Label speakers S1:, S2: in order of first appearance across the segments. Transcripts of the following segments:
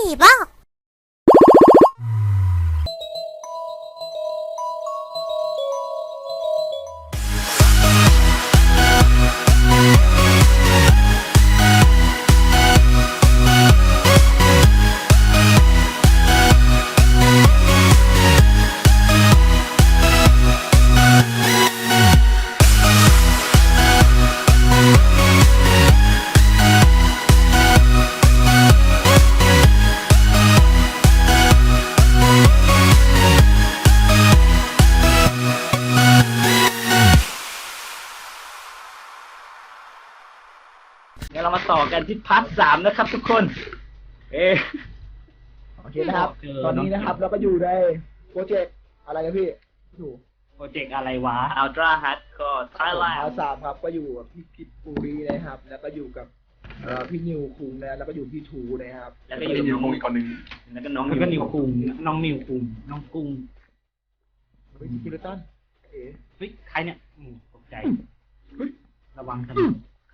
S1: ผีบ้า
S2: งั้นเรามาต่อกันที่พาร์ท 3นะครับทุกคน
S3: โอเคนะครับ ตอนนี้นะครับเราก็อยู่ในโปรเจกต์อะไรกันพี่ถูก
S2: โปรเจกต์อะไรวะ Ultra Hardcore
S3: พา
S2: Thailand
S3: ร์ทสามครับก็อยู่กับพี่กิตปุรีนะครับ แล้วก็อยู่กับพี่นิวคุงนะแล้วก็อยู่พี่ทูนะครับ
S2: แล้วก็อยู่
S4: นิวคงอีกคนนึง
S2: แล้วก็น้อง
S5: แล้วก็นิวคุงน้องนิวคุงน้องกุ้ง
S3: เฮ้ยกิลตันเอ๋
S5: เฮ้ยใครเนี่ยตกใจ ระวังกัน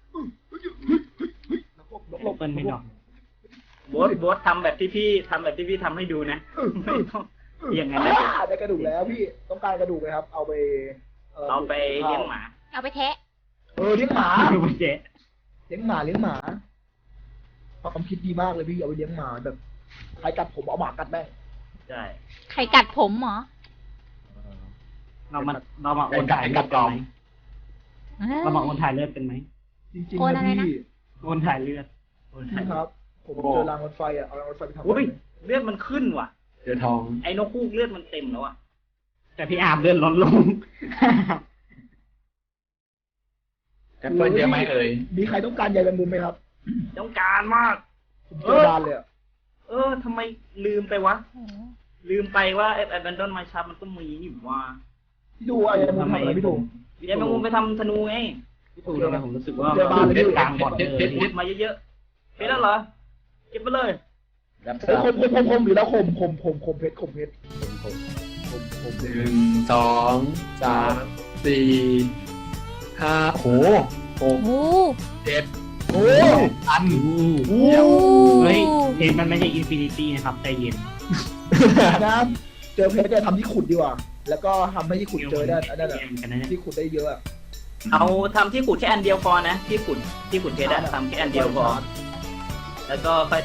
S3: หลบ
S5: เปิ้ลไม่ดอก
S2: โบ๊ททำแบบที่พี่ทำให้ดูนะ ไม่ต้องอย่างนั้นนะ
S3: ได้กระดูกแล้วพี่ต้องการกระดูกไหมครับ เอาไป
S2: เอาไปเลี้ยงหมา
S1: เอาไปแทะ
S3: เลี้ยงหมา
S5: เจ๊
S3: เลี้ยงหมาความคิดดีมากเลยพี่เอาไปเลี้ยงหมาแบบใครกัดผมเอาหมากัดแม่ง
S2: ใช่
S1: ใครกัดผมเหรอ
S5: เรามาโอนถ่ายเลือดกันไหมเรามาโอนถ่ายเลือดเป็นไหม
S3: จริง
S1: โอน
S3: ๆ
S1: อะ
S3: นะ
S1: ไรนะ
S3: พี่
S5: โอนถ่ายเลือด
S3: พี่ครับ ผมเจอรางรถไฟเอารางรถไฟไปทำ
S2: อุ้ยเลือดมันขึ้นว่ะ
S4: เจอทอง
S2: ไอ้นกฮูกเลือดมันเต็มแล้วอ่ะ
S5: แต่พี่อาบเลือดลดลง
S4: แอปเปิลเยอะไหมเอ่ย
S3: มีใครต้องการใยแมงมุมไหมครับ
S2: ต้องการมาก
S3: ผมเจอบานเลยอะ
S2: ทำไมลืมไปวะ ลืมไปว่าไอ้ Abandon My Shop มันก็มีนี่ว่า
S3: พี่ดูใยแมงมุมทำอะไรพี่ดู
S2: ยายแมงมุมไปทำธนูไง
S5: พี่ตู่ทำไมผมรู้สึกว่า
S3: เจอบ้านเลย
S5: เลือดกลางบอดเลย
S2: เก็บมาเยอะๆเก็บแล้วเหรอ เก็บไปเลย
S4: รับท
S3: เฮ้ย
S4: ราบ
S3: คมอยู่แล้วคมเพชรคม
S4: หนึ่งสองสามสี่ห้าโหหก
S1: โอ้
S4: เจ็ด
S3: โอ้
S4: อัน
S3: โห
S5: เฮ้ยเพนมันไม่ใช่อินฟินิตี้นะครับใจเย็น
S3: นะเจอเพชรเนี่ยทำที่ขุดดีกว่า แล้วก็ทำให้ที่ขุดเจอได้อันนั้นอะ
S5: กันนะเนี่ย
S3: ที่ขุดได้เยอะอะ
S2: เอาทำที่ขุดแค่อันเดียวพอนะ ที่ขุดเพชรอะทำแค่อันเดียวพอ แล้วก็ค่อย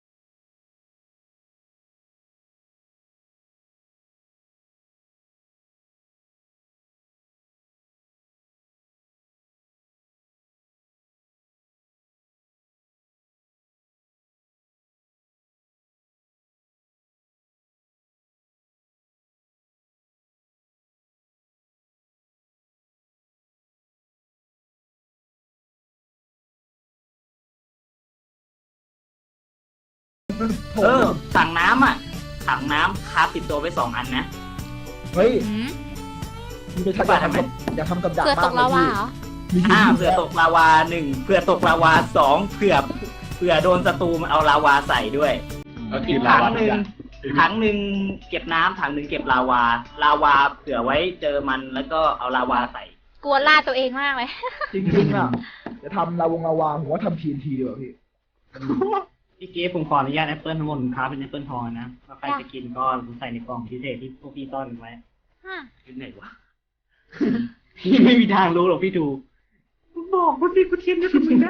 S2: ถังน้ำอ่ะ ถังน้ำคาบติดตัวไป2 อันนะ
S3: เฮ้ย
S1: หืม
S3: มีไปทำอยากทำกับดัก
S1: เพื่อต
S3: มาก
S1: ก
S3: เล
S1: ลาย วา
S3: พี่
S1: เหรอ
S3: มี
S2: เผื่อตกลาวา1เผื่อตกลาวา2เผื่อโดนศัตรูมันเอาลาวาใส่ด้วย
S4: ก็คื
S2: อี
S4: อก ลา
S2: ถัง
S4: วา
S2: หนึ่งถังหนึ่งเก็บน้ำถังหนึ่งเก็บลาวาเผื่อไว้เจอมันแล้วก็เอาลาวาใส่
S1: กลัวล่าตัวเองมากเลย
S3: จริงๆอะจะทำลาวาผมว่าทำทีนทีดีกว่าพี่
S5: พี่เก๊ผมขออนุญาตแอปเปิลทั้งหมดค้าเป็นแอปเปิลทองนะถ้าใครจะกินก็ใส่ในกล่องพิเศษที่พวกพี่ซ่อนไว้
S2: ที่ไหนวะ
S5: พี่ไม่มีทางรู้หรอกพี่ดูบอกว่าพี่กูเทียมจะทำไมนะ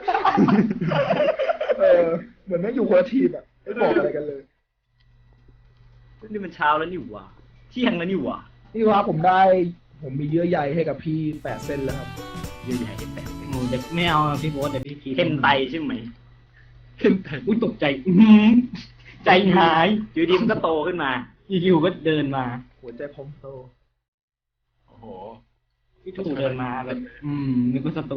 S3: เหมือนไม่อยู่คนละทีมอะไม่บอกอะไรกันเลย
S2: นี่มันเช้าแล้วนี่หว่าเที่ยงแล้วนี่หว่า
S3: นี่ว่าผมมีเยื่อใยให้กับพี่8 เส้นแล้วครับ
S2: เยอะแยะแปลก
S5: โอ้เดี๋ยวไม่เอาพี่โบ๊ทเดี๋ยวพี่พี
S2: เห็นไตใช่ไหม
S5: อุ้ยตกใจอื้อหือใจหาย
S2: อยู่ดีมันก็โตขึ้นมา
S5: อยู่ๆก็เดินมา
S3: หัวใจพองโต
S4: โอ้โห
S5: พี่ถูเดินมาแบบนึกว่าศัตรู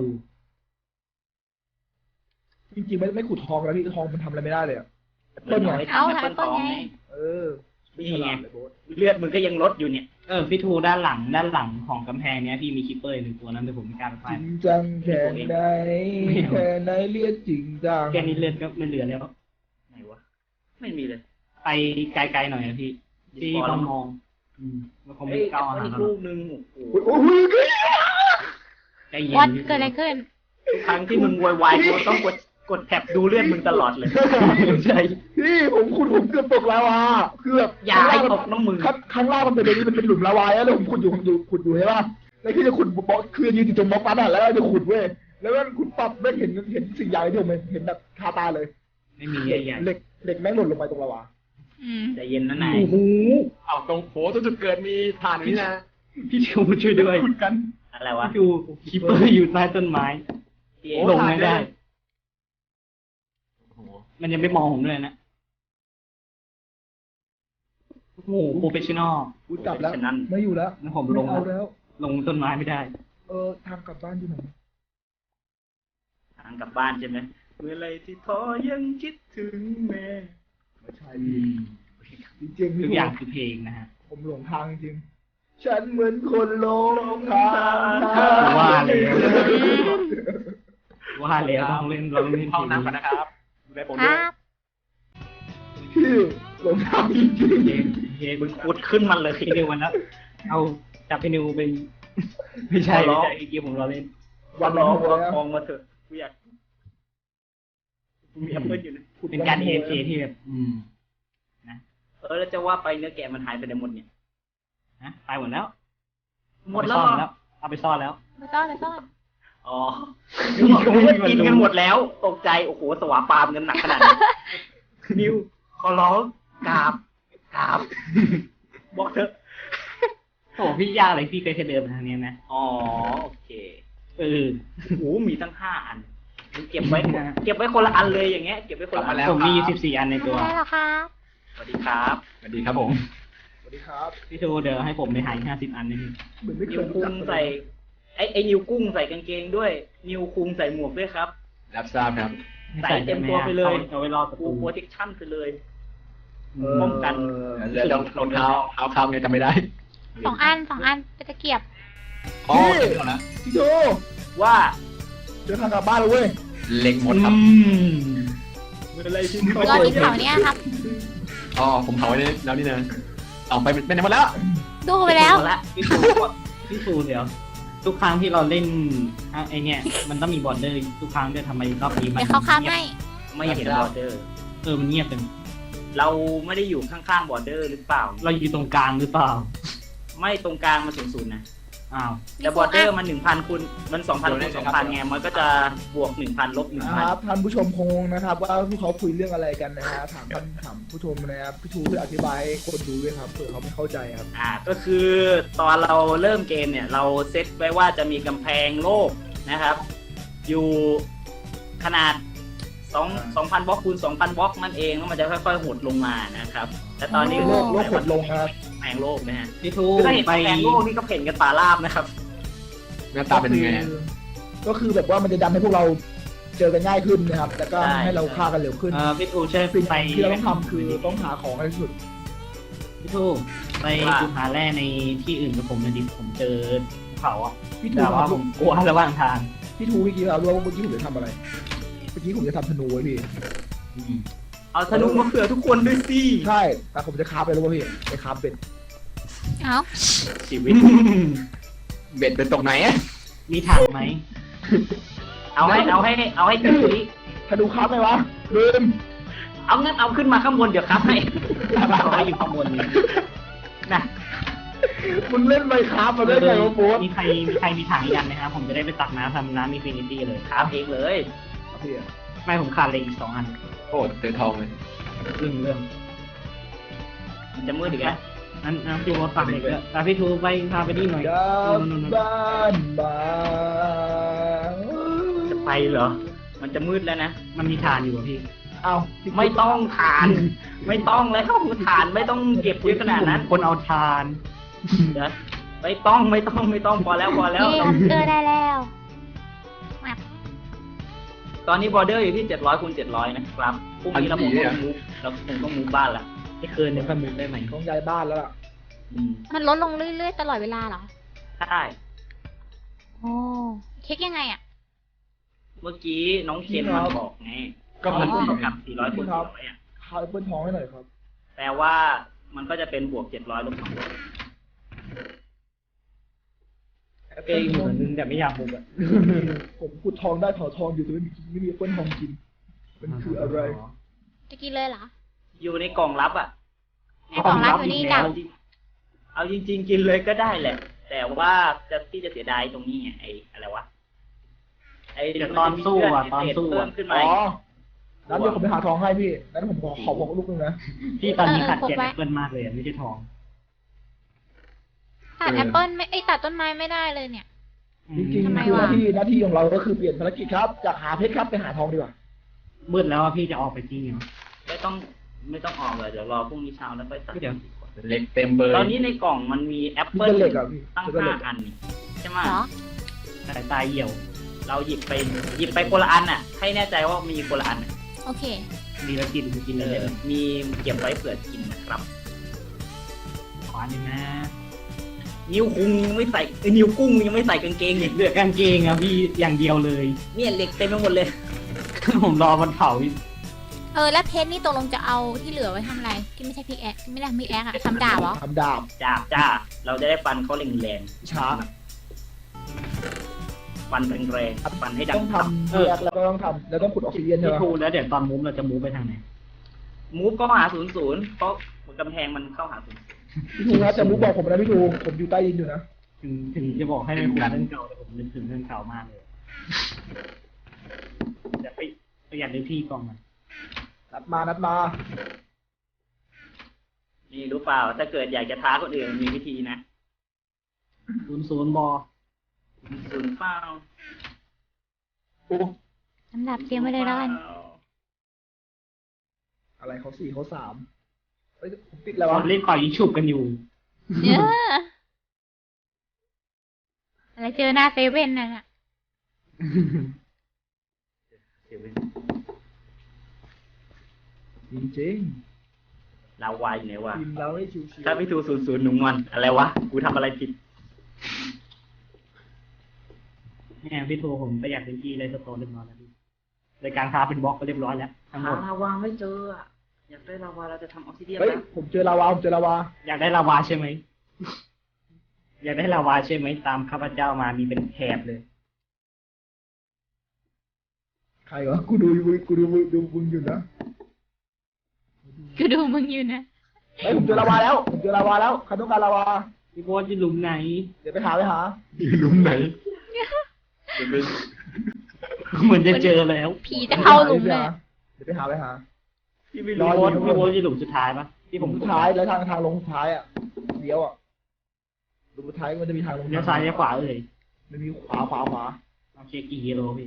S3: จริงๆไม่ขุดทองแล้วพี่ทองมันทำอะไรไม่ได้เลยอะ
S2: ต้นไง
S1: เอา
S2: แอปเปิล
S1: แอปเปิ้
S2: ท
S1: ล
S2: อง
S1: ไง
S2: ไง
S3: ไม่ฉลาดเลยโบ๊ท
S2: เลือดมึงก็ยังลดอยู่เนี่ย
S5: พี่ทูด้านหลังของกำแพงเนี้ยพี่มีคิปเปอร์1 ตัวนั้นแต่ผมไม่กล้าไป
S3: จริงจังแค่ไหนแค่ไหนเรียกจริงจัง
S5: แค่นี้เลือดก็ไม่เหลือแล้ว
S2: ไหนวะ ไม่มีเลย
S5: ไปไกลๆหน่อยนะพี่พี่ต้องมองมันคงไม่
S2: เอ้ย
S5: ก้าว
S2: แอป
S5: หา
S2: เปิ้ลอีก
S5: เรา
S2: ลูกนึงโอ้โห
S3: โอ้ย
S5: ใจเย็น
S1: วัดเกิดอะไรขึ้น
S2: ทุกครั้งที่มึงโวยวายกูต้องกดกดแท็บดูเลือดมึงตลอดเลย ใช่
S3: พี่ผมเกือบตกลาวาคือแบบ
S2: อย่าให้ตกน้ำมือ
S3: ข้างล่างมันเป็นอะไรนี่มันเป็นหลุมลาวาแล้วผมขุดอยู่ใช่ป่ะแล้วคือจะขุดบล็อกคือยืนอยู่ตรงบล็อกนั้นอ่ะแล้วจะขุดเว้ยแล้วก็ขุดปั๊บไม่เห็นสิ่งใหญ่ที่ผมเห็นแบบคาตาเลย
S5: ไม่มี
S3: เหล็ก
S5: ใหญ่
S3: เหล็กแม่งหล่นลงไปตรงลาวา
S1: อืม
S2: ใจเย็นนะนาย
S3: โอ้โห
S4: เอาตรงโหตรงจุดเกิดมีฐานอย่างนี้นะ
S5: ๆพี่ชูช่วยด้วย
S3: ขุดกัน
S2: อะไรวะ
S5: พี่ชูคีเปอร์อยู่ใต้ต้นไม้
S2: พี่
S5: ลงไม่ได้
S4: โอ้โห
S5: มันยังไม่มองผมด้วยนะโอ้โหโปรเฟชชั่นอล
S3: กูจับแล้ว
S2: ฉะนั้น
S3: ไม่อยู่แล้ว
S5: งั้นผมลง
S3: ไม่เอาแล้ว
S5: ลงต้นไม้ไม่ได้
S3: ทางกลับบ้านอยู่ไหน
S2: ทางกลับบ้านใช่ไหมเมื่อไรที่ท้อยังคิดถึงแม่
S3: ไม่ใช่พี่จริงๆ
S5: ทุ
S3: พี่
S5: กอย่างคือเพลงนะฮะ
S3: ผมหลงทางจริงฉันเหมือนคนหลงทาง
S5: ว่าแล้วต้องเล่น
S4: ห้องน้ำก่อนนะครับดูแลผม
S1: ค
S4: ด้ว
S1: รั
S4: ย
S1: บ
S3: พี่หลงทางจริง
S5: เฮ้ย
S2: มึงขุดขึ้นมันเลย
S5: พี่นิววันแล้วเอาจับพี่นิวไปไม่ใช่ไม่ใช่ไอ้เกียผมรอเล่น
S3: ๆวัน
S2: ร้
S3: ร้
S2: อ
S3: อง ง
S2: วัว
S3: แล้ว
S2: ทองมาเถอะกูอยากกูมีแอปเปิลอยู่นะ
S5: เป็นการ AFK ที่แบบ
S2: แล้วจะว่าไปเนื้อแกะมันหายไปไหนหมดเนี่ย
S5: นะตายหมดแล้ว
S2: หมดแล้ว
S5: เอาไปซ่อนแล้ว
S1: มาซ่อนมาซ่อน
S2: อ๋อนึกว่ากินกันหมดแล้ว ตกใจ โอ้โห สวาปามกันหนักขนาดนี้นิว ขอร้องกราบ บอกเถอะ
S5: โอ้พี่ยากเลยพี่เคยเดินมาทางนี้นะ
S2: อ๋อ โอเค
S5: เออ
S2: โอ้โห มีตั้ง5 อันมึงเก็บไว้คนละอันเลยอย่างเงี้ย เก็บไว้คนละอัน
S5: ผมมี14 อันในตัว
S1: ได้แล้วครับ
S2: สวัสดีครับ
S4: สวัสดีครับผม
S3: สวัสดีครับ
S5: พี่ชูเดี๋ยวให้ผมไปหา50 อันนี่
S3: เหมือนไม่เค
S2: นิวย
S3: รู้
S2: คุ
S3: จั
S2: ง
S3: ก
S2: ใส่ ไอ้นิวกุ้งใส่กางเกงด้วย นิวคุงใส่หมวกด้วยครับ
S4: รับทราบครับ
S2: ใส่เต็มตัวไปเลย
S5: เอาไว้รอประ
S2: กู
S5: ตู
S2: โปรเทคชั่นไปเลย
S3: เออ
S2: ป้องกัน
S4: แล้วรองเท้าคำไงจำไม่ได้
S1: สองอันเป็นตะเกียบ
S4: อ๋อเดี๋ยวนะ
S3: พี่โจ
S2: ว่า
S3: เจอทางกลับบ้านแล้วเว้ย
S4: เล็งหมดครับ
S2: อะไรที่
S1: รออีกเขาเนี้ยครับ
S4: อ๋อผมเผาไว้แล้วนี่นะเอาไปไหนหมดแล้ว
S1: ดูไปแล้ว
S5: พี่ชูเดี๋ยว ทุกครั้งที่เราเล่นไอเนี่ยมันต้องมีบอร์เดอร์ทุกครั้งด้วยทำไมรอบนี้มัน
S1: เดี๋ยวเขาข้ามให้
S2: ไม่เห็นบอร์เดอร์
S5: มันเงียบเป็น
S2: เราไม่ได้อยู่ข้างๆบอร์เดอร์หรือเปล่า
S5: เราอยู่ตรงกลางหรือเปล่า
S2: ไม่ตรงกลางมัน0-0นะ
S5: อ้าว
S2: แต่บอร์เดอร์มัน 1,000 คูณมัน 2,000 คูณ 2,000ไงมันก็จะบวก 1,000 ลบ
S3: นะครับท่านผู้ชมคงนะครับ ว่าพวกเขาคุยเรื่องอะไรกันนะฮะถามผู้ชมนะครับพี่ชูช่วยอธิบายให้คนดูด้วยครับเผื่อเขาไม่เข้าใจครับ
S2: 1,000ก็คือตอนเราเริ่มเกมเนี่ย เราเซตไว้ว่าจะมีกำแพงโลกนะครับ อยู่ขนาด 2,000 บล็อกคูณ 2,000 บล็อกนั่นเองแล้วมันจะค่อยๆหดลงมานะครับแต่ตอนนี้
S3: โลกหดลงครับ
S2: กำแพงโลกนะฮะ
S5: พี่ชู
S2: คือถ้าเห็น
S5: ไป
S2: กำแพงโลกนี่ก็เห็นกันป่าราบนะครับ
S4: หน้าตาเป็นยังไง
S3: ก็คือแบบว่ามันจะดันให้พวกเราเจอกันง่ายขึ้นนะครับ แล้วก็
S2: ใช่
S3: ให้เราฆ่ากันเร็วขึ้น
S5: พี่ชูช่วย
S3: สิ่ง
S5: ไป
S3: ที่เราต้องทำคือต้องหาของให้ที่สุด
S5: พี่ชูไปดูหาแร่ในที่อื่นกับผมหนะดิผมเจอเขาอะ
S3: พี่ทู
S5: แต่ว่าผมกลัวระหว่างทาง
S3: พี่ทูเมื่อกี้เรารู้ว่าเมื่อกี้ผมจะทำอะไรเมื่อกี้ผมจะทำธนูไว้พี่
S2: เอาธนูมาเผื่อทุกคนด้วยสิ
S3: ใช่แต่ผมจะคาบไปแล้วว่าพี่ไปคาบเป็ด
S1: เอ้า
S2: ชีวิต
S4: เบ็ดเป็นตกไหนอะ
S5: มีถังไหม
S2: เอาให้ถึงนี้
S3: ธนูคาบไหมวะลืม
S2: เอางั้นเอาขึ้นมาข้างบนเดี๋ยวครับให้
S5: เขาไว้อยู่ข้างบนนี้
S2: นะ
S3: มึงเล่นไมค์คาบมาได้ไงวะโบ๊ท
S5: มีใครมีถังอีกอันไหมครับผมจะได้ไปตักน้ำทำน้ำอินฟินิตี้เลย
S2: ถามเองเลย
S3: พี่อะ
S5: ไม่ผมขาดเลยอีก2 อัน
S4: โอ้เจอทองเลย
S5: เรื่อง
S2: มันจะมืดอีกแล้ว
S5: นั้นพี่โรถฝากเด็กด้วยแต่พี่ทูไปพาไปนี่หน่อย
S3: กลับบ้านมา
S2: จะไปเหรอ มันจะมืดแล้วนะ
S5: มันมีฐานอยู่อะพี่
S3: เอา
S2: ไม่ต้องทาน ไม่ต้องแล้วทานไม่ต้องเก็บเยอะขนาดนั้น
S5: คนเอาทาน
S2: เดี๋ยวไม่ต้องพอแล้ว
S1: นี่อันเกอร์ได้แล้ว
S2: ตอนนี้บอร์เดอร์อยู่ที่700 คูณ 700นะครับพรุ่งนี้เราคงต้องมูฟบ้านละ
S5: ไม่คืนเนี่ยพันมุกได้ไหม
S3: ต้องย้ายบ้านแล้วล่ะ
S1: มันลดลงเรื่อยๆตลอดเวลาเหรอ
S2: ใช่
S1: โอ้เช็คยังไงอ่ะ
S2: เมื่อกี้น้องเคนมันบอกไง
S4: ก็พัน
S2: เท่า
S4: สี่
S2: กับ400 คูณ 400อ่ะ
S3: คาบแอปเปิลทองให้หน่อยครับ
S2: แปลว่ามันก็จะเป็นบวก700 ลบ200
S3: แอป
S5: เอ
S3: เปิล
S5: ง
S3: ท
S5: เห
S3: อง
S5: มือนนึงแต่ไม่อยากมุกอะ
S3: ผมขุดทองได้เผาทองอยู่แต่ไม่มีแอปเปิลทองกินมันคืออะไร
S1: จะกินเลยเหรอ
S2: อยู่ในกล่องลับอ่ะ
S1: ในกล่องลับอยู่นี่ดับ
S2: เอาจริงๆกินเลยก็ได้แหละ แต่ว่าที่จะเสียดายตรงนี้ไงไอ้อะไรวะไอ้
S5: เดี๋ยวตอนสู้อ่ะตอนสู้
S2: เพิ่
S5: อ่ะ
S2: มขึ้น
S3: อ๋
S2: มา
S3: อนั้นเดี๋ยวผมไปหาทองให้พี่นั้นผมขอบอกลูกนึงนะ
S5: พี่ตอนนี้ขาดแคลนแอปเปิลมากเลยอะไม่ใช่ทอง
S1: ตัดแอปเปิ้ลไม่ตัดต้นไม้ไม่ได้เลยเนี่ย
S3: จริง
S1: ทำไม
S3: ๆคือ
S1: วะ
S3: หน้าที่ของเราก็คือเปลี่ยนภารกิจครับจากหาเพชรครับไปหาทองดีกว่า
S5: มืดแล้วอะพี่จะออกไปจริงเหรอ
S2: ไม่ต้องออกเลยเดี๋ยวรอพรุ่งนี้เช้าแล้วค่อยตัด
S5: เดี๋ยว
S4: เหล็กเต็มเบอร์
S2: ตอนนี้ในกล่องมันมีแอป
S3: คือ
S2: เปิล
S3: เป็นเหล็กอ่ะพี่
S2: ตั้ง
S3: คือเป็นเหล็ก
S2: 5 อันนี่ใช่ไหม
S1: เหรอ
S5: สายตาเหี่ยว
S2: เราหยิบไปคนละอันอ่ะ ให้แน่ใจว่ามีคนละอันอะ
S1: โอเค
S5: มีแล้วกินเลย
S2: มีเก็บไว้เผื่อกินนะครับ
S5: ขวาหนึ่งนะ
S2: นิ้วคุงยังไม่ใส่นิ้วกุ้งยังไม่ใส่กางเกงอีก
S5: เหลือกางเกงอะพี่อย่างเดียวเลย
S2: เนี่ยเหล็กเต็มไปหมดเลย
S5: ผมรอมันเผาอีก
S1: แล้วเพชรนี่ตกลงจะเอาที่เหลือไว้ทำอะไร ที่ไม่ใช่พิกแอคที่ไม่ได้พิกแอคอะทำดาบเหรอ
S3: ทำดาบ
S2: จ้าเราจะได้ฟันเขาแรง
S3: ช้า
S2: ๆฟันแรงๆฟันให้ดั
S3: ต้
S2: ง
S3: องทำแยกแล้วก็ต้องทำแล้วต้องขุดออกซิเจนใช่
S5: พี่
S3: ไหม
S5: ทูแล้วเดี๋ยวตอนมูฟเราจะมูฟไปทางไหน
S2: มูฟก็หา00เพราะกำแพงมันเข้าหา00
S3: พี่ทูนะจะมุกบอกผมนะพี่ทูผมอยู่ใต้ดินอยู่นะ
S5: ถึงจะบอกให้ไม่คุยเรื่องเก่าแต่ผมนึกถึงเรื่องเก่ามากเลยจะไปประหยัดในที่กล่องมัน
S3: นัดมา
S2: นี่รู้เปล่า ถ้าเกิดอยากจะท้าคนอื่นมีวิธีนะ
S5: 00บอ
S2: 0เปล่า
S3: โอ้
S1: ทำดาบเตรียมไว้เลยแล้วกัน
S3: อะไรเขา4เขา3เฮ้ยผมติดแล้ววะ
S5: เล่นปล่อยยิงฉุบกันอยู่
S1: อะไรเจอหน้าเซเว่นน่ะ
S3: จริง
S2: ลาวายอยู่ไหนวะ
S3: ๆทีมเราให้ชิว
S2: ถ้าพี่ทู00หนุ่มวันอะไรวะ กูทำอะไรผิด
S5: เนี่ยพี่ทูผมประหยัดในที่เลยสโตนเรียบร้อยแล้วพี่รายการค้าเป็นบล็อกก็เรียบร้อยแล้วทั้งหม
S2: หา
S5: ด
S2: ลาวาไม่เจออะอยากได้ลาวาเราจะทำออกซิเดียน
S3: เฮ้ย
S2: แล้ว
S3: ผมเจอลาวา
S5: อยากได้ลาวาใช่ไหม อยากได้ลาวาใช่ไหมตามข้าพเจ้ามามีเป็นแถบเลย
S3: ใครวะกูดูมึงอยู่นะ
S1: กูดูมึงอยู่นะ
S3: เฮ้ยผมเจอลาวาแล้วใครต้องการลาวา
S5: พี่โบ๊ทจะหลุมไหน
S3: เดี๋ยวไปหา
S4: อยู่หลุมไหนจะเป็น
S5: เหมือนจะเจอแล้ว
S1: ผีจะเข้าหลุมเลย
S3: เดี๋ยวไปหา
S2: พี่ไม่
S3: ร
S2: รู้
S3: อ
S5: พี่โบ๊ทจะหลุมสุดท้ายปะที่ผม
S3: สุดท้ายแล้วทางลงสุดท้ายอ่ะเลี้ยวอ่ะลงสุดท้ายมันจะมีทางลง
S5: เลี้ยวซ้ายเลี้ยวขวาเลย
S3: มันมีขวา
S5: โอเคกี่กิโลพี่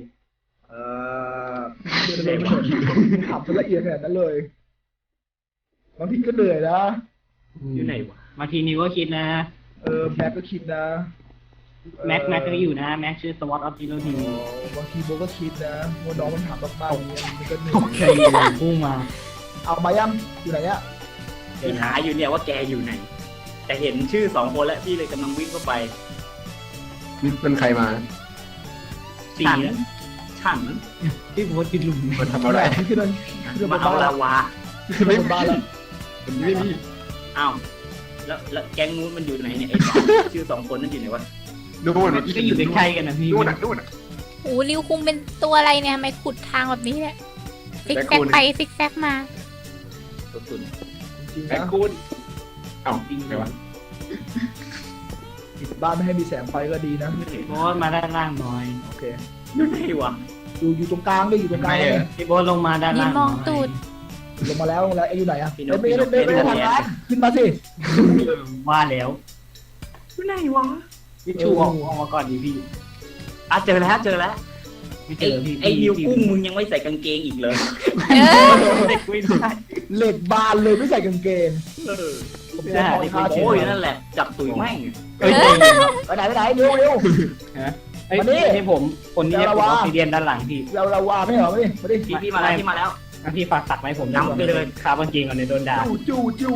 S3: เดินไม่ถามละเอียดขนาดนั้นเลยบางทีก็เหนื่อยนะ
S2: อยู่ไหนวะ
S5: บางทีนิวก็คิดนะ
S3: แม็กก็คิดนะ
S5: แม็กก็อยู่นะ แม็กชื่อสวอตออฟจิโรที
S3: บางทีโบก็คิดนะว่าน้องมันถามมากๆอย่างเงี้ยมันก็เหนื่
S5: โอ
S3: อย
S5: เคพุ่งมา
S3: เอามายังอยู่ไหนเนี่ย
S2: พี่หาอยู่เนี่ยว่าแกอยู่ไหน แต่เห็นชื่อ2 คนแล้วพี่เลยกำลังวิ่งเข้าไป
S4: นี่เป็นใครมา
S5: สี่
S2: ฉัน
S5: แล้ว
S2: ฉัน
S5: พี่โบ๊ทติดหลุม
S4: มาทำอะไร
S3: ขึ้นบ
S2: มาน เอา
S3: บ้านแล้
S2: ลาว วา
S3: ขึ้นบนบ้านแล้ว
S4: ผมไม่มี
S2: อ้าวแล้วแก๊งนู้นมันอยู่ไหนเนี่ยไอ้ชื่อ2 คนนั่นอยู่ไหนวะ
S4: นู่น
S5: ก็อยู่ใกล้ๆกันนะพี่
S4: นู่นอ่ะ
S1: โอ้ริวคุงเป็นตัวอะไรเนี่ยทำไมขุดทางแบบนี้เนี่ยซิกแซกไปซิกแซกมา
S2: ตัวตุ่น
S3: จริงๆ
S4: แบ็ค
S3: นะ
S4: คูนเอ้าไงวะ
S3: ปิดบ้านไม่ให้มีแสงไฟก็ดีนะ
S5: พี่โบ๊ทมาด้านล่างหน่อย
S3: โอเค
S2: อยู่ไหนวะ
S3: อยู่ตรงกลางด้วยอยู่ตรงกลางเลย
S5: พี่โบ๊ทลงมาด้านล่าง
S1: ยืนมองตูด
S3: ลงมาแล้วเอ็งอยู่ไหนอะ
S2: พี่น
S3: ไม่
S2: ก
S3: ได้ทำงานขึ้นมาสิ
S5: ว่าแล้ว
S2: อยู่ไหนวะ
S5: พี่ชูออกมาก่อนดิพี่
S2: เจอแล้ว
S5: ไม่เจ
S2: ไอ้
S5: อพี่
S2: ไอ้นิวกุ้งมึงยังไม่ใส่กางเกงอีกเลย
S5: เด็กไม่ได้
S3: เหล็กบานเลยไม่ใส่กางเกง ผมจะขอท่า
S2: โอ้ยนั่นแหละจับตุ๋ยแม่ง
S5: เอ้ย
S3: ไปไหนเร็ว
S5: ไอ้นี่ให้ผมคนนี้ผมออกซิเดียนด้านหลังพี่
S3: เราว่าไม่เหรอไม่ดิ
S2: พี่มาแล้ว
S5: พี่ฝากตักไว้ผม
S2: นำไปเลย
S5: คาบางเกงก่อนในโดนด่า
S3: จู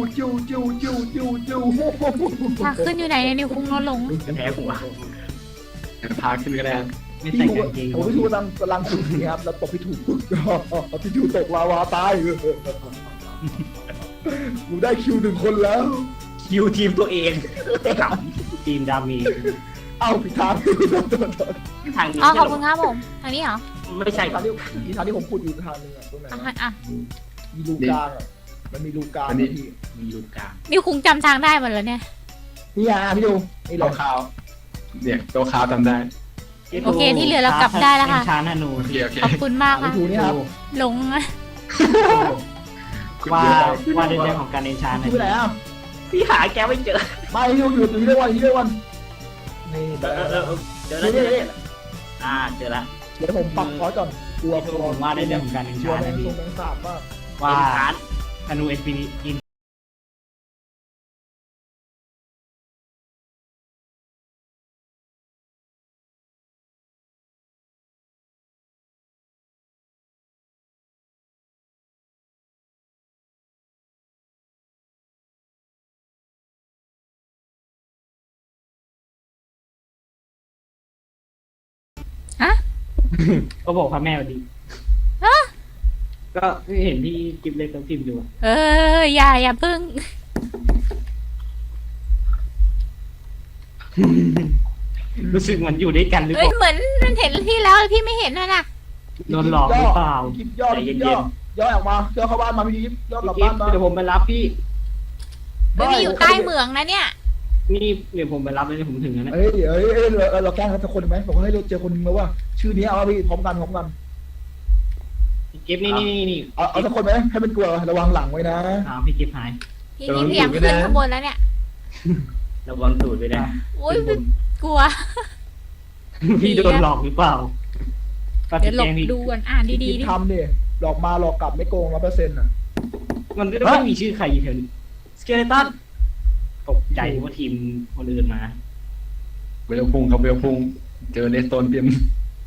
S1: ทางขึ้นอยู่ไหนเนี่ยนิวคุงลดลง
S2: แพ้หัว
S4: พาขึ้นก็ได้
S5: ไม่
S3: พี่
S5: ใส่
S3: ถู
S5: กางเกง
S3: ผมพี่ถูกำลังสุดนี่ครับแล้วตกพี่ถูกพี่ถูกตกลาวาตายกูได้คิว1 คนแล้ว
S2: คิวทีมตัวเองข
S5: ทีมดามี
S3: เอ้าผิดทาง
S2: ำทางนี้
S1: อ๋อข
S2: ใช่
S1: อบ
S2: หร
S1: คุ
S2: อ
S1: ณครับผมทางนี้เหรอ
S2: ไม่ใช่ครับ
S3: อีทางที่ผมพูดอยู่ทางนึงอะตรงไหน
S1: อ่ะ
S3: วะ
S1: อ่ะ
S3: มีรูกลางอะมันมีรูกลาง
S4: อันนี้
S3: พี่
S2: มีลูกกลาง
S1: นิวคุงจำทางได้หมดแล้วเนี่ย
S3: นี่อ่ะพี่ดูนี่เล
S4: ตัวย ขาวเนี่ยตัวขาวจำได้
S1: โอเคที่เหลือเรากลับได้แล้วค่ะ
S5: เอ็นชานนะหนู
S4: โอเคโอเค
S1: ขอบคุณมาก
S3: พี่
S1: ค่ะ
S3: ดูนี่ครับ
S1: หลงอะ
S5: ว่าว่าในเรื่องของการเอนชานนะ
S3: พี่ไปไหนอ่ะ
S2: พี่หาแกไม่เจอ
S3: ไม่พี่ดูอยู่ที่เรื่องวันที่เรื่องวันนี่
S2: เจอแล้วเจอแล้วเจอแล้ว
S3: เดี๋ยวผมปรับคอร์สก่อนกลัว
S5: พี่ทูผมว่าในเรื่องของการเอน
S3: กลัว
S5: ชาน
S3: แม
S5: นะ
S3: ง
S5: พี่
S3: ทรงแมงสาบมาก
S5: ว่า
S2: เป็นฐาน
S5: ธนูเอสพีอิน
S1: ฮะ
S5: ก็บอกพระแม่วันดีก็เห็นที่กิฟเล็กต้องพิมพ์อยู่อะ
S1: อย่าพึ่ง
S5: รู้สึกเหมือนอยู่ด้วยกันหรือเป
S1: เอ้ย
S5: ล่า
S1: เหมือนมันเห็นที่แล้วพี่ไม่เห็นนะ
S5: โดนหลอกหรือเปล่า
S3: คลิปย่อคลิปย่อออกมาย่อเข้าบ้านมาพี่ย่อกลับ
S5: พี่
S3: บ้านมา
S5: เดี๋ยวผมไปรับพี่
S1: เฮ้ยพี่อยู่ใต้เหมืองนะเนี่ย
S5: นี่เดี๋ยวผมไปรับแล้วเดี๋ยวผมถึงแล้วนะ
S3: เอ้ยเราแกล้งสักคนไหมบอกให้เราเจอคนนึงแล้วว่า ชื่อนี้เอาพี่พร้อมกัน
S5: กิฟนี่
S3: เอาสักคนไหมให้มันกลัวระวังหลังไว้นะ
S5: พี่กิฟหาย
S1: พี่นี่พยายามขึ้นข้างบนแล้วเนี่ย
S2: ระวังตูดไปนะ
S1: โอ้ยกลัว
S5: พี่โดนหลอกหรือเปล่า
S1: เดี๋ยวหลบดูก่อนอ่านดีๆดิ
S3: ทำเนี่ยหลอกมาหลอกกลับไม่โกง100%อ่ะ
S5: มันก็ไม่มีชื่อใครอยู่แถวนี้
S2: สเกเลตัน
S5: ตกใจว่าทีมคนอื่นมา
S4: เวลพุ่งครับเวลพุ่งเจอเลสโตนเตรียม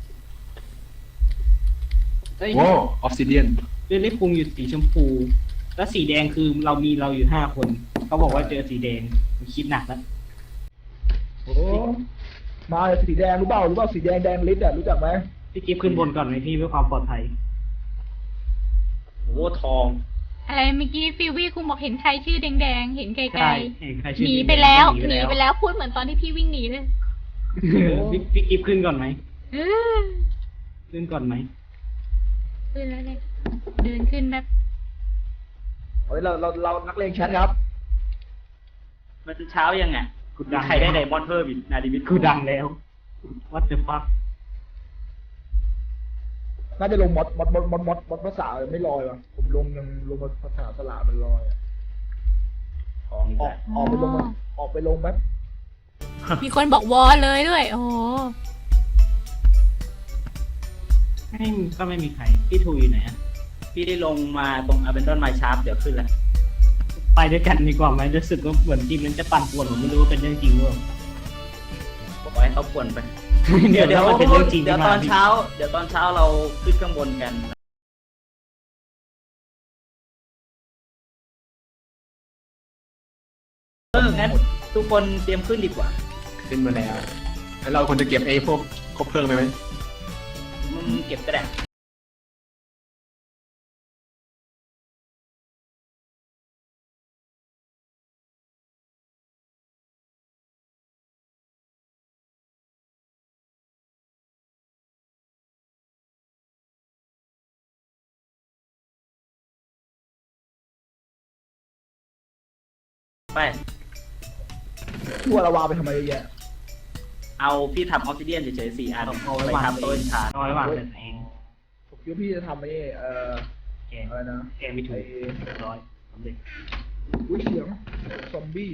S5: เฮ้ย
S4: โว้ออฟซิเดียน
S5: เรื่องนี้ปรุงอยู่สีชมพู แล้วสีแดงคือเราอยู่5 คน เขาบอกว่าเจอสีแดงคิดหนักแล้ว
S3: โอ้มาสีแดงรู้เปล่าสีแดงลิตอ่ะรู้จักไหม
S5: พี่กิฟขึ้นบนก่อนไหมพี่เพื่อความปลอดภัย
S2: โอ้ทอง
S1: อะไรเมื่อกี้ฟิววี่คุณบอกเห็นใครชื่อแดงๆเห็นไกล
S5: ใช่เห็นใคร
S1: ๆ
S5: ชื่อ
S1: หนีไปแล้ว
S5: หนี
S1: หนีไปแล้วพูดเหมือนตอนที่พี่วิ่งหนีเลย
S5: พี่กิฟขึ้นก่อนไหม
S1: เออ
S5: ขึ้นก่อนไหม
S1: ขึ้นแล้วเนี่ยเดินขึ้นแบบ
S3: เฮ้ยเรานักเลงแชทครับ
S2: มันเช้ายังไงใครได้ไดมอนด์เพิ่มอีกนาดิวิท
S5: กูดังแล้ว What the fuck
S3: น่าจะลงมอดภาษาไม่ลอยว่ะผมลงภาษาสลามันลอย
S2: ทองอีก
S3: อ
S2: แล้
S3: อ
S2: ว
S3: กไปลงแบบ
S1: มีคนบอกวอเลยด้วย โอ้โห
S5: ก็ไม่มีใคร พี่ทูอยู่ไหนอะ
S2: พี่ได้ลงมาตรงอเบนดอนไมชาร์ปเดี๋ยวขึ้นแล้ว
S5: ไปด้วยกันดีกว่าไหมรู้สึกว่าเหมือนทีมนั้นจะปั่นป่วนผมไม่รู้ว่าเป็นเรื่องจริงหรือเปล่า
S2: บอกให้เขาป่วนไป
S5: เดี๋ยวมันเป็นเรื่องจริง
S2: เดี๋ยวตอนเช้าเราขึ้นข้างบนกันงั้นทุกคนเตรียมขึ้นดีกว่า
S4: ขึ้นมาแล้วแล้วเราควรจะเก็บไอ้พวกคบเพลิงไปไหม
S2: เก็บก็ได้ ไป
S3: ทั่วละวาไปทำไมเยอะแยะ
S2: เอาพี่ทำออฟซิเดียนเฉยๆ4 อัน
S5: เอาไว้
S2: ไป
S5: วาง
S2: ทำโต้นชาร์
S5: เอาไว้วางแต่เอง
S3: ผมคิดว่าพี่จะทำไอ้
S5: แก
S3: อะไรนะ
S5: แกไม่ถูกร้อยสำเร็จ
S3: อุ้ยเสียงซอมบี้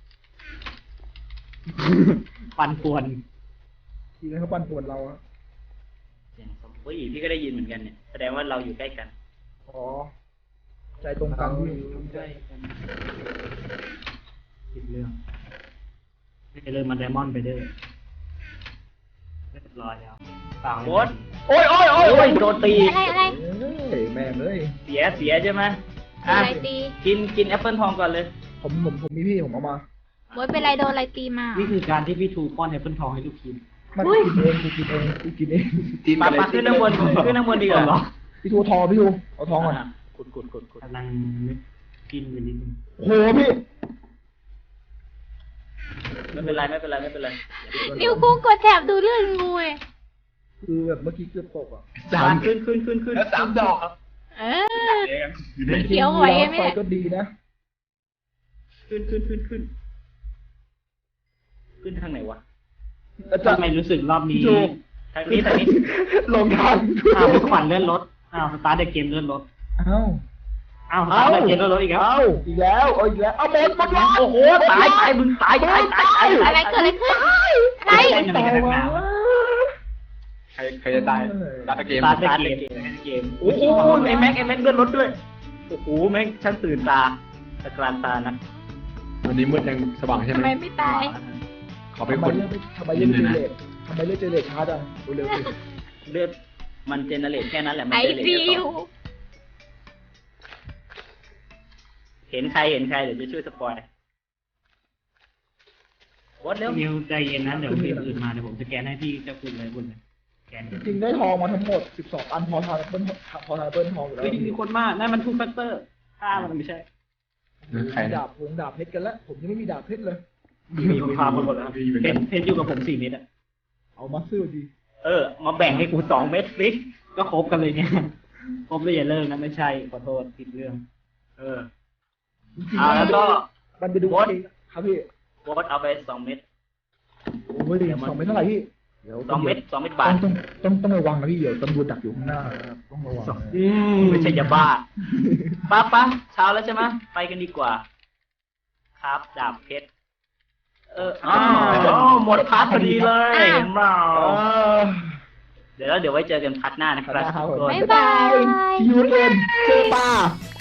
S5: ปั่นป่วน
S3: ทีนั้นเขาปั่นป่วนเราอะ
S2: เสียงซอมบี้พี่ก็ได้ยินเหมือนกันเนี่ย แสดงว่าเราอยู่ใกล้กัน
S3: อ๋อใจตรงกันพี่
S5: ใช่ผิดเรื่องไปเลยมาไดมอนด์ไปเด้อเรียบร้อยแล้วเปล่า
S2: โอ๊ต
S3: โอ้ย
S2: โดนตี
S1: อะไร
S3: เฮ้ยแม่งเลย
S2: เสียใช่ไหม
S1: อะไรตี
S2: กินแอปเปิลทองก่อนเลย
S3: ผมมีพี่ผมเอามา
S1: โอ๊ยเป็นไรโดนอะไรตีมา
S5: นี่คือการที่พี่ทูป้อนแอปเปิลทองให้ลูกทีม
S3: มันกูกินเอง
S4: ทีม
S2: มา
S4: อะไร
S2: ขึ้นข้างบนดีกว่า
S5: เหรอ
S3: พี่ทูทองพี่ทูเอาทองก่อน
S2: ขุด
S5: กำลังนึกกินไปนิดนึง
S3: โหพี่
S2: ไม่เป็นไร
S1: นิวคุงกดแถบดูเรื่องงูเลย
S3: ผคือแบบเมื่อกี้เกือบตกอ่ะ
S4: สาม
S2: ขึ้น
S4: แล้ว3 ดอกครับ
S1: เออ
S4: อยู่ใน
S1: เขียวไหวไหม
S3: ไฟ
S1: เนี่ย
S3: ก็ดีนะ
S2: ขึ้นทางไหนวะ
S3: แล้วจะ
S5: ทำไมรู้สึกรอบนี้
S3: ถูก
S2: ทางนี้
S3: ลงทาง
S5: อ้าวขวัญเลื่อนรถอ้าวสตาร์ทเดอะเกมเลื่อนรถ
S3: เอ้า
S5: อ้าวสตาร์ทเดอะเกมเลื่อนรถอีกแล้ว
S3: เอ้าอีกแล้วเอาอีกแล้วเอาหมดรถ
S2: โอ้โหตายมึงตาย
S1: อะไรเกิดอะไรขึ้นอะไร
S5: เล่นอะไรกันนักหนา
S4: ใครจะตายตาเกม
S5: สตาร์ท
S2: ตาย
S5: เดอะเกม
S2: โอ้โหไอ้แม็กเลื่อนรถด้วยโอ้โหแม่งฉันตื่นตาตะกรานตานะ
S4: วันนี้มืดยังสว่างใช่ไห
S1: ทำ
S4: ม
S1: ไมไม่ตาย
S4: ขอไป
S3: ทำไม
S4: กด
S3: เลือกทำไมเลือกเจเนเรตทำไมเลือกเจเนเรตช้าจังเร็วๆสิ
S2: เลือดมันเจเนเรตแค่นั้นแหละมัน
S1: ไอ
S2: เจเนเรต
S1: ซี
S2: แค่
S1: ยู
S2: ต่อเห็นใครเดี๋ยวจะช่วยสปอยวอดเร็ว
S5: นิวใจเย็นนะเดี๋ยวมีอื่นมาเดี๋ยวผมจะแกนให้พี่เจ้าคุณเลยคุณแกน
S3: จริงๆได้ทองมาทั้งหมด12 อันพอทางเปิ้ลทองอยู่แล้ว
S5: เฮ้ยมีคนมากนั่นมันทูแฟกเตอร์ฆ่ามันไม่ใช่
S4: ใครนะ
S3: ดาบเพชรกันแล้วผมยังไม่มีดาบเพชรเลย
S5: มีคนพาหมดแล้วเพชรอยู่กับผม4 เม็ดอะ
S3: เอามาซื้อดี
S2: มาแบ่งให้กู2 เม็ดสิ
S5: ก็ครบกันเลยเนี่ยครบเลยอย่าเลิกนะไม่ใช่ขอโทษผิดเรื่อง
S3: จริง
S2: แล้วก็
S3: มันไปดูครับพี่
S2: วอดเอาไป2 เม็ด
S3: โอ้ย2 เม็ดเท่าไหร่พี่เดี๋ยว
S2: 2 เม็ดบาท
S3: ต้องระวังนะพี่เดี๋ยวตำรวจดักอยู่ข้างหน้านะครับต้องระวัง
S2: ไม่ใช่ยาบ้าป้าเช้าแล้วใช่ไหมไปกันดีกว่า ครับดาบเพชรหมดพาร์ทพอดีเลยเห็นเปล่าเดี๋ยวไว้เจอกันพาร์ทหน้านะครับทุกคน
S1: บ๊ายบาย
S3: See you again เจอป่า